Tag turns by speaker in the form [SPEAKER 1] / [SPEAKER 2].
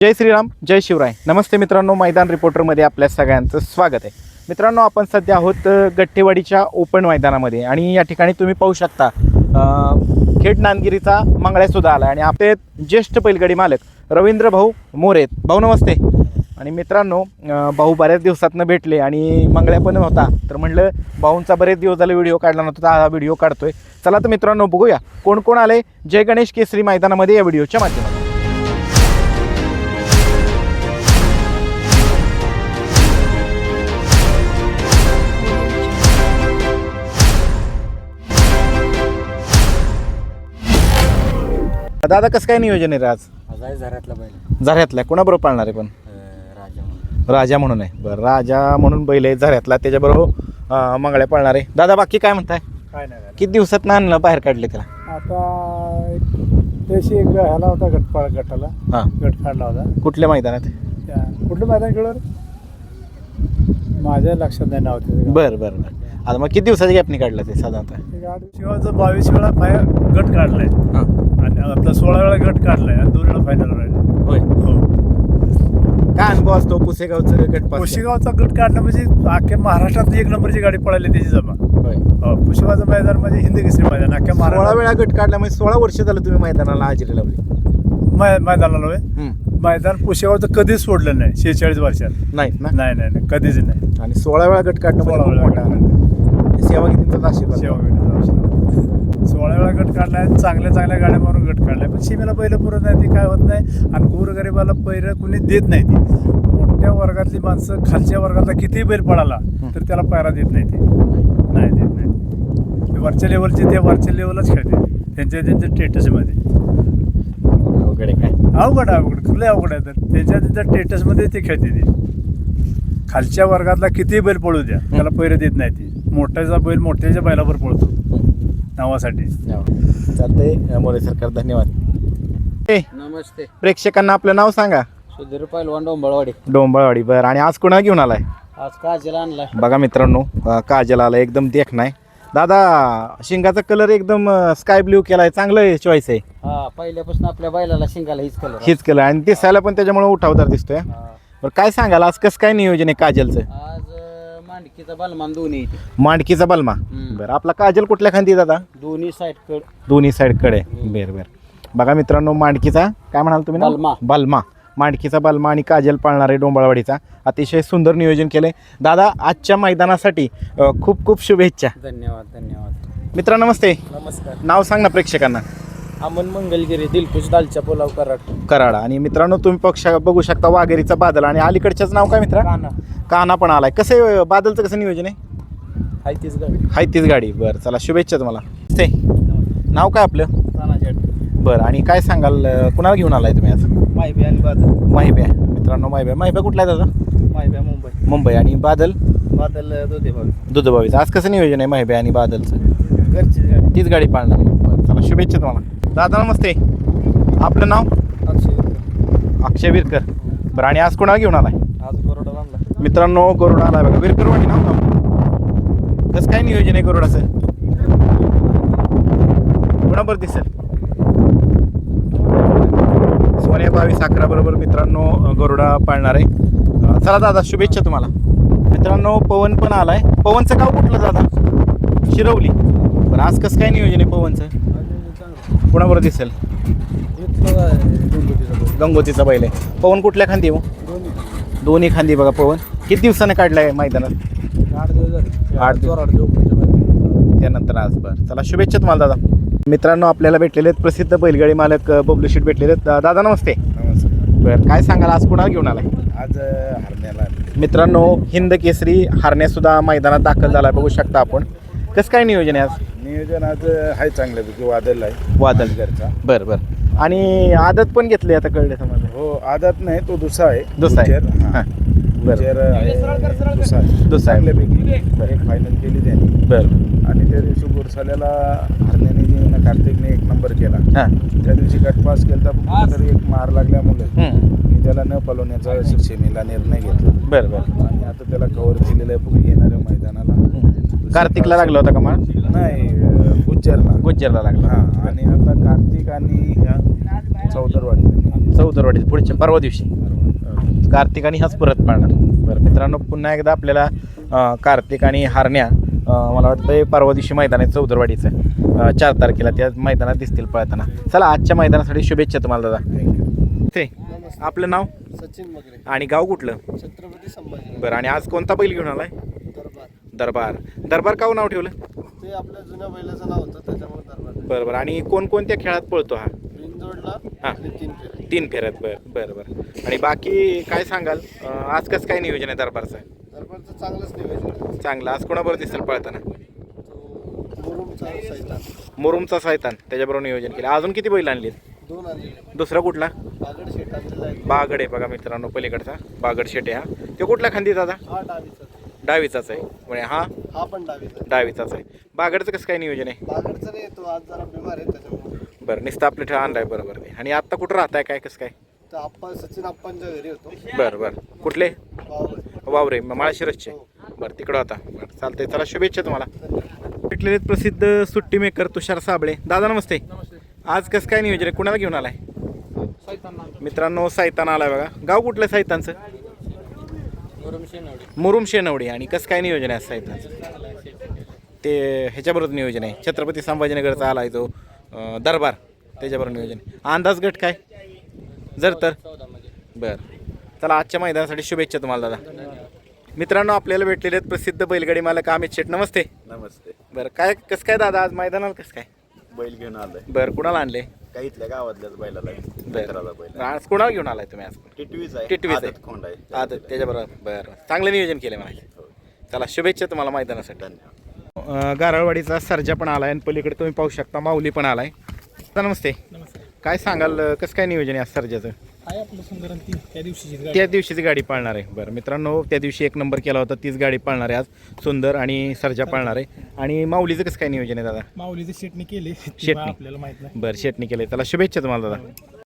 [SPEAKER 1] जय श्रीराम, जय शिवराय. नमस्ते मित्रांनो, मैदान रिपोर्टरमध्ये आपल्या सगळ्यांचं स्वागत आहे. मित्रांनो, आपण सध्या आहोत गट्टेवाडीच्या ओपन मैदानामध्ये आणि या ठिकाणी तुम्ही पाहू शकता खेड नांदगिरीचा मंगळ्यासुद्धा आला आणि आपले ज्येष्ठ बैलगाडी मालक रवींद्र भाऊ मोरे. भाऊ नमस्ते. आणि मित्रांनो, भाऊ बऱ्याच दिवसातनं भेटले आणि मंगळ्या पण होता, तर म्हणलं भाऊंचा बरेच दिवस झाले व्हिडिओ काढला नव्हता, हा व्हिडिओ काढतोय. चला तर मित्रांनो, बघूया कोण कोण आले जय गणेश केसरी मैदानामध्ये या व्हिडिओच्या माध्यमातून. दादा, कसं काय नियोजन आहे रे आज?
[SPEAKER 2] झऱ्यातला बैल,
[SPEAKER 1] झऱ्यातल्या कोणाबरोबर पाळणार आहे? पण
[SPEAKER 2] राजा म्हणून.
[SPEAKER 1] राजा म्हणून आहे. बरं, राजा म्हणून बैल आहे झऱ्यातला, त्याच्याबरोबर मंगळ्या पाळणार आहे. दादा, बाकी काय म्हणताय?
[SPEAKER 2] काय नाही
[SPEAKER 1] किती दिवसात ना आणलं बाहेर काढले त्याला?
[SPEAKER 2] आता त्याशी एक ह्याला होता गटाला
[SPEAKER 1] हां,
[SPEAKER 2] गट काढला होता.
[SPEAKER 1] कुठल्या मैदानात?
[SPEAKER 2] कुठलं मैदान खेळवर माझ्या लक्षात नाही नाव त्याचं.
[SPEAKER 1] बरं बरं बरं. आता मग किती दिवसाच्या गॅपनी काढलं ते साधारणतः?
[SPEAKER 2] शिवाचं 22 वेळा गट काढलाय
[SPEAKER 1] हां,
[SPEAKER 2] आणि आपला 16 वेळा गट काढलाय आणि 2 वेळा फायनल राहिला.
[SPEAKER 1] होय.
[SPEAKER 2] हो,
[SPEAKER 1] काय अनुभव असतो पुसेगावचं गटपास?
[SPEAKER 2] पुशेगावचा गट काढणं म्हणजे अख्ख्या महाराष्ट्रात 1 नंबरची गाडी पळाली त्याची जमा.
[SPEAKER 1] होय.
[SPEAKER 2] हो, पुशेगावचं मैदान म्हणजे हिंदी केसरी मैदान अख्ख्या
[SPEAKER 1] 16
[SPEAKER 2] महाराष्ट्रात
[SPEAKER 1] वेळा गट काढला म्हणजे 16 वर्ष झालं तुम्ही मैदानाला हजेरी लावली?
[SPEAKER 2] मैदानाला होय. मैदान पुशेगावचं कधीच सोडलं नाही 46 वर्षात.
[SPEAKER 1] नाहीत ना?
[SPEAKER 2] नाही नाही नाही, कधीच नाही.
[SPEAKER 1] आणि 16 वेळा गट काढणं
[SPEAKER 2] 16
[SPEAKER 1] म्हणजे
[SPEAKER 2] वेळा
[SPEAKER 1] खूप मोठा आनंद. सेवा कितीचा आशीर्वाद.
[SPEAKER 2] 16 वेळा गट काढलाय, चांगल्या चांगल्या गाड्या मारून गट काढलाय, पण सीमेला पहिलं पुरत नाही, ती काय होत नाही. आणि गोरगरिबाला पहिलं कुणी देत नाही. ती मोठ्या वर्गातली माणसं खालच्या वर्गातला कितीही बैल पळाला तर त्याला पायरा देत नाही. ते नाही देत नाही. ते वरच्या लेवलचे ते वरच्या लेवलच खेळते त्यांच्या स्टेटसमध्ये.
[SPEAKER 1] अवघड आहे काय?
[SPEAKER 2] अवघड कुठले अवघड आहे तर त्यांच्या स्टेटसमध्ये ते खेळते. ते खालच्या वर्गातला कितीही बैल पळू द्या, त्याला पैरे देत नाही. ती मोठ्याचा बैल मोठ्याच्या बैलावर पळतो नावासाठी.
[SPEAKER 1] चालतंय मोरे सरकार, धन्यवाद.
[SPEAKER 2] नमस्ते.
[SPEAKER 1] प्रेक्षकांना आपलं नाव सांगा.
[SPEAKER 2] सुधीर पैलवान डोंबळवाडी.
[SPEAKER 1] डोंबळवाडी. बरं, आणि आज कोणा घेऊन आलाय?
[SPEAKER 2] आज काजल आणलाय.
[SPEAKER 1] बघा मित्रांनो, काजल आला, एकदम देखणा. दादा, शिंगाचा कलर एकदम स्काय ब्ल्यू केलाय, चांगलं चॉईस आहे.
[SPEAKER 2] हा, पहिल्यापासून आपल्या बैलाला शिंगाला हीच कलर.
[SPEAKER 1] हीच कलर आणि दिसायला पण त्याच्यामुळे उठावदार दिसतोय. बरं, काय सांगाल आज कसं काय नियोजन आहे काजलचं?
[SPEAKER 2] आज मांडकीचा बलमान दोन्ही
[SPEAKER 1] मांडकीचा बलमा. बरं, आपला काजल कुठल्या खांदी दादा?
[SPEAKER 2] दोन्ही साईड कड.
[SPEAKER 1] दोन्ही साईड कडे. बरं बरं. बघा मित्रांनो, मांडकीचा काय म्हणाल तुम्ही?
[SPEAKER 2] बलमा.
[SPEAKER 1] बलमा. मांडकीचा बलमा आणि काजल पाळणार आहे डोंबळवाडीचा. अतिशय सुंदर नियोजन केलंय दादा. आजच्या मैदानासाठी खूप खूप शुभेच्छा.
[SPEAKER 2] धन्यवाद धन्यवाद.
[SPEAKER 1] मित्रा नमस्ते.
[SPEAKER 2] नमस्कार.
[SPEAKER 1] नाव सांग ना प्रेक्षकांना.
[SPEAKER 2] अमन मंगलगिरी, दिलखुश दालच्या पुलाव
[SPEAKER 1] कराड. आणि मित्रांनो, तुम्ही बघू शकता वाघेरीचा बादल आणि अलीकडच्याच नाव काय मित्रा? काना पण आलाय. कसं आहे बादलचं, कसं नियोजन आहे? हाय तीच गाडी. बरं, चला शुभेच्छा तुम्हाला. ते नाव काय आपलं? बरं, आणि काय सांगाल कुणाला घेऊन आलाय तुम्ही आज?
[SPEAKER 2] माहिबे आणि बादल.
[SPEAKER 1] माहिब्या. मित्रांनो, माहिब्या कुठला आहे दादा?
[SPEAKER 2] माहिब्या
[SPEAKER 1] मुंबई. आणि बादल
[SPEAKER 2] दुधेभावी.
[SPEAKER 1] दुधबावीचं. आज कसं नियोजन आहे माहिब्या आणि बादलचं?
[SPEAKER 2] घरची गाडी.
[SPEAKER 1] तीच गाडी पाळणार. बरं, चला शुभेच्छा तुम्हाला. दादा नमस्ते. आपलं नाव? अक्षय विरकर. बरं, आणि आज कोणाला घेऊन आलाय?
[SPEAKER 2] आज गरुडा आणला.
[SPEAKER 1] मित्रांनो, गरुडा आलाय बघा. विरकरवाडी नाव का? कसं काय नियोजन आहे गरुडाचं? कोणाबरोबर दिसेल? सोन्या 22-11 बरोबर मित्रांनो गरुडा पाळणार आहे. चला दादा, शुभेच्छा तुम्हाला. मित्रांनो, पवन पण आलाय. पवनचं गाव कुठलं दादा? शिरवली. बरं, आज कसं काय नियोजन आहे पवनचं? कोणाबरोबर दिसेल? गंगोतीचा बैल आहे. पवन कुठल्या खांदी आहे मग? दोन्ही खांदी. बघा पवन किती दिवसानं काढलाय मैदानात?
[SPEAKER 2] 8 दिवस झाले.
[SPEAKER 1] 8 त्यानंतर आज. बरं, चला शुभेच्छा तुम्हाला दादा. मित्रांनो, आपल्याला भेटलेले आहेत प्रसिद्ध बैलगाडी मालक बबलू शेट भेटलेले आहेत. दादा नमस्ते. बरं, काय सांगाल आज कुणाला घेऊन आलाय?
[SPEAKER 2] आज हरण्याला.
[SPEAKER 1] मित्रांनो, हिंद केसरी हरण्यासुद्धा मैदानात दाखल झाला, बघू शकता आपण. कसं काय नियोजन आहे आज?
[SPEAKER 2] नियोजन आज आहे चांगल्यापैकी. वादळ आहे.
[SPEAKER 1] वादळ
[SPEAKER 2] घरचा.
[SPEAKER 1] बरं बरं. आणि आदत पण घेतली आता, कळले समजलं?
[SPEAKER 2] हो, आदत नाही, तो दुसरा आहे.
[SPEAKER 1] दुसरा आहे.
[SPEAKER 2] हां,
[SPEAKER 1] बरं.
[SPEAKER 2] दुसरा आहे.
[SPEAKER 1] दुसरा आहे.
[SPEAKER 2] चांगल्यापैकी एक फायनल केली त्यांनी.
[SPEAKER 1] बरं.
[SPEAKER 2] आणि त्या दिवशी गुरसाल्याला हरण्याने जे कार्तिकने 1 नंबर केला.
[SPEAKER 1] हां.
[SPEAKER 2] त्या दिवशी गटपास केला तर एक मार लागल्यामुळे
[SPEAKER 1] हं.
[SPEAKER 2] त्याला न पलवण्याचा शिक्षेमीला निर्णय घेतला.
[SPEAKER 1] बरं बरं.
[SPEAKER 2] आणि आता त्याला कव्हर केलेलं आहे येणाऱ्या मैदानाला.
[SPEAKER 1] कार्तिकला लागला होता का मार?
[SPEAKER 2] नाही, गुज्जरला
[SPEAKER 1] गुज्जरला लागला.
[SPEAKER 2] हां आणि आता कार्तिक आणि ह्या
[SPEAKER 1] चौदरवाडी पुढच्या परवा दिवशी कार्तिक आणि हाच परत पाळणार. बरं मित्रांनो, पुन्हा एकदा आपल्याला कार्तिक आणि हारण्या मला वाटतं परवा दिवशी मैदान आहे चौदरवाडीचं 4 तारखेला त्या मैदानात दिसतील पळताना. चला आजच्या मैदानासाठी शुभेच्छा तुम्हाला दादा. ते आपलं नाव
[SPEAKER 3] सचिन मगरे,
[SPEAKER 1] आणि गाव कुठलं?
[SPEAKER 3] छत्रपती संभाजी.
[SPEAKER 1] बरं, आणि आज कोणता बैल घेऊन आलाय?
[SPEAKER 3] दरबार.
[SPEAKER 1] दरबार. दरबार का नाव ठेवलं?
[SPEAKER 3] ते आपल्या जुन्या बैलाचं नाव होतं त्याच्यामुळे दरबार.
[SPEAKER 1] बरं बरं. आणि कोणकोणत्या खेळात पळतो हा?
[SPEAKER 3] बिनजोडला
[SPEAKER 1] हां.
[SPEAKER 3] आणि 3 फेरे.
[SPEAKER 1] 3 फेऱ्यात. बरं बरं बरं. आणि बाकी काय सांगाल, आज कसं काय नियोजन आहे दरबारचं?
[SPEAKER 3] दरबारचं चांगलंच नियोजन आहे.
[SPEAKER 1] चांगलं. आज कोणाबरोबर दिसेल पळताना?
[SPEAKER 3] तो मुरुमचा सैतान.
[SPEAKER 1] मुरुमचा सायतान त्याच्याबरोबर नियोजन केलं. अजून किती बैल आणलीत?
[SPEAKER 3] 2 आणले.
[SPEAKER 1] दुसरा कुठला?
[SPEAKER 3] बागड शेट आणलेला आहे.
[SPEAKER 1] बागड आहे बघा मित्रांनो, पलीकडचा बागड शेटे. हा तो कुठला खांदी दादा?
[SPEAKER 3] हा डावीचा.
[SPEAKER 1] डावीचाच आहे म्हणजे हा
[SPEAKER 3] हा पण डावीचा.
[SPEAKER 1] डावीचाच आहे. बागडचं कसं काय नियोजन आहे?
[SPEAKER 3] बागडचा नाही, तो आज जरा बिमार आहे त्याच्यामुळे.
[SPEAKER 1] बरं, नुसतं आपलं ठेवा आणलाय. बरोबर आहे. आणि आत्ता कुठं राहताय, काय कसं काय?
[SPEAKER 3] तर आप्पा सचिन आप्पांच्या घरी होतो.
[SPEAKER 1] बरं बरं. कुठले?
[SPEAKER 3] बावळे.
[SPEAKER 1] वावरे माळशिरसचे. बरं, तिकडं आता. बरं चालतंय. चला शुभेच्छा तुम्हाला. भेटलेले प्रसिद्ध सुट्टी मेकर तुषार साबळे. दादा नमस्ते. आज कसं काय नियोजन आहे, कुणाला घेऊन आलाय? मित्रांनो सायतान आलाय बघा. गाव कुठलं सायतानचं? मुरुम शेनवडी. आणि कसं काय नियोजन आहे सायतानचं? ते ह्याच्याबरोबर नियोजन आहे छत्रपती संभाजीनगरचा आलाय तो दरबार, त्याच्याबरोबर नियोजन आहे. अंदाज गट काय जर तर? बरं चला, आजच्या मैदानासाठी शुभेच्छा तुम्हाला दादा. मित्रांनो, आपल्याला भेटलेले आहेत प्रसिद्ध बैलगाडी मालक अमित शेठ. नमस्ते.
[SPEAKER 4] नमस्ते.
[SPEAKER 1] बरं, काय कसं काय दादा आज मैदानाला कसं काय?
[SPEAKER 4] बैल घेऊन आलोय
[SPEAKER 1] बरं, कुणाला आणले?
[SPEAKER 4] काही इथल्या गावातल्याच बैलाला मित्राला बैल
[SPEAKER 1] आज कुणाला घेऊन आलाय तुम्ही? आज
[SPEAKER 4] टिटवीच आहे.
[SPEAKER 1] टिटवीच आहे.
[SPEAKER 4] आदत खोंड आहे.
[SPEAKER 1] आदत त्याच्याबरोबर. बरं, चांगलं नियोजन केलं मला. चला शुभेच्छा तुम्हाला मैदानासाठी.
[SPEAKER 4] धन्यवाद.
[SPEAKER 1] गारळवाडीचा सर्जा पण आलाय आणि पलीकडे तुम्ही पाहू शकता माऊली पण आलाय. दादा नमस्ते. काय सांगाल, कसं काय नियोजन आहे आज सर्जाचं?
[SPEAKER 5] आहे आपलं सुंदर ती त्या दिवशीची गाडी.
[SPEAKER 1] त्या दिवशीची गाडी पाळणार आहे. बरं मित्रांनो, त्या दिवशी 1 नंबर केला होता, तीच गाडी पाळणार आहे आज. सुंदर आणि सर्जा पाळणार आहे. आणि माऊलीचं कसं काय नियोजन आहे दादा?
[SPEAKER 5] माऊलीचे शेटणी केली
[SPEAKER 1] शेटणी.
[SPEAKER 5] आपल्याला माहित नाही.
[SPEAKER 1] बरं, शेटणी केलं. त्याला शुभेच्छा तुम्हाला दादा.